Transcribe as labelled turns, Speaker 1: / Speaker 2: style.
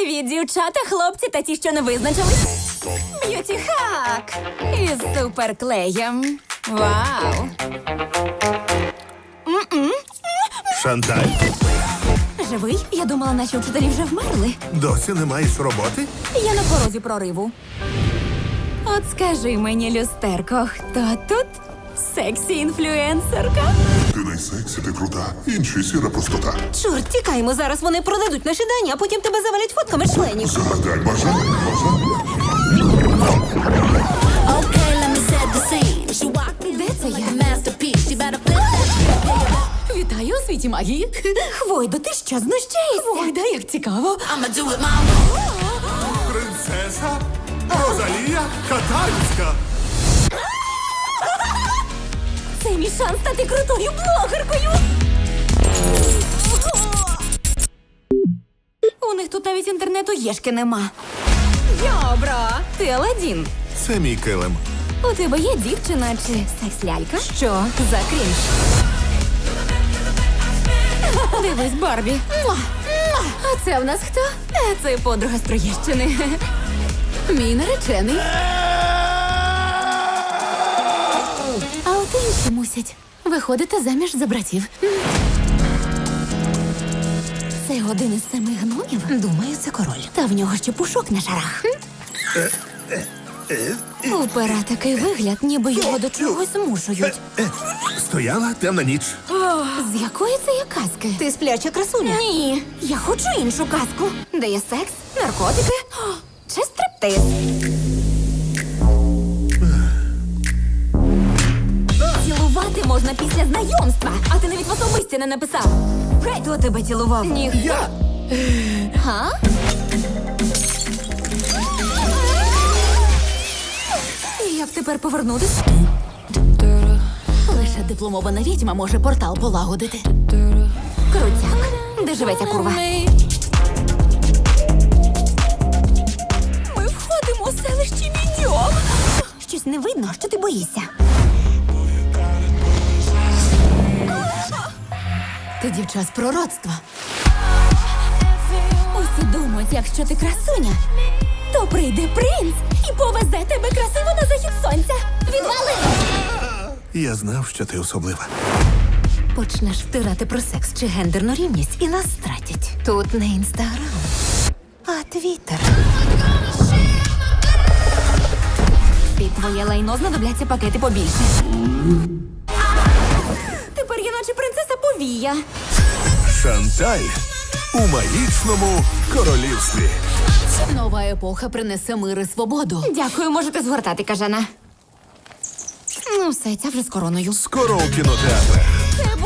Speaker 1: Привіт, дівчата, хлопці та ті, що не визначились. Б'юті хак із суперклеєм. Вау!
Speaker 2: Шанталь,
Speaker 1: Живий? Я думала, наші вчителі вже вмерли.
Speaker 2: досі не маєш роботи?
Speaker 1: Я на порозі прориву. От скажи мені, люстерко, хто тут? Сексі-інфлюенсерка?
Speaker 3: Ти найсексі, ти крута. Інші сіра простота.
Speaker 1: Чорт, тікаємо, зараз вони продадуть наші дані, а потім тебе завалять фотками членів.
Speaker 3: Загадай бажання, бажання.
Speaker 4: Okay, let me set the scene. She walked
Speaker 1: Де це
Speaker 4: like
Speaker 1: я?
Speaker 4: a masterpiece. She better flip that.
Speaker 1: Вітаю у світі магії. Хвойдо, ти що, знущаєшся? Хвойда, як цікаво.
Speaker 4: I'ma do it my way.
Speaker 2: Принцеса Розалія Катальська.
Speaker 1: Це мій шанс стати крутою блогеркою. У них тут навіть інтернету єшки нема. Йобро, ти Аладдін.
Speaker 2: Це мій килим.
Speaker 1: У тебе є дівчина чи секс-лялька? Що за крінж? Дивись, Барбі. Муа! Муа! А це в нас хто? Це подруга з Троєщини. Мій наречений. А от інші мусять виходити заміж за братів. Це один із 7 гномів? Думаю, це король. Та в нього ще пушок на шарах. У пера такий вигляд, ніби його до чогось змушують.
Speaker 2: Стояла темна ніч.
Speaker 1: З якої це є казки? Ти спляча красуня? Ні, я хочу іншу казку. Де є секс, наркотики чи стриптиз. Цілувати можна після знайомства, а ти навіть в особисті не написав. Хто тебе цілував? Ніхто.
Speaker 2: Я!
Speaker 1: Га? Як тепер повернутись? Лише дипломована відьма може портал полагодити. Крутяк. Де живе ця курва? Ми входимо у селище Відьом. Щось не видно, що ти боїшся. Ти дівча з пророцтва. Усі думають, якщо ти красуня, то прийде принц і повезе тебе красиво на захід сонця. Відвали!
Speaker 2: Я знав, що ти особлива.
Speaker 1: Почнеш втирати про секс чи гендерну рівність і нас стратять. Тут не інстаграм, а твіттер. Під твоє лайно знадобляться пакети побільше. Тепер я наче принцеса повія.
Speaker 2: Шанталь у магічному королівстві.
Speaker 1: Нова епоха принесе мир і свободу. Дякую, можете згортати, кажана. Ну все, ця вже з короною.
Speaker 2: Скоро у кінотеатрах.
Speaker 1: Це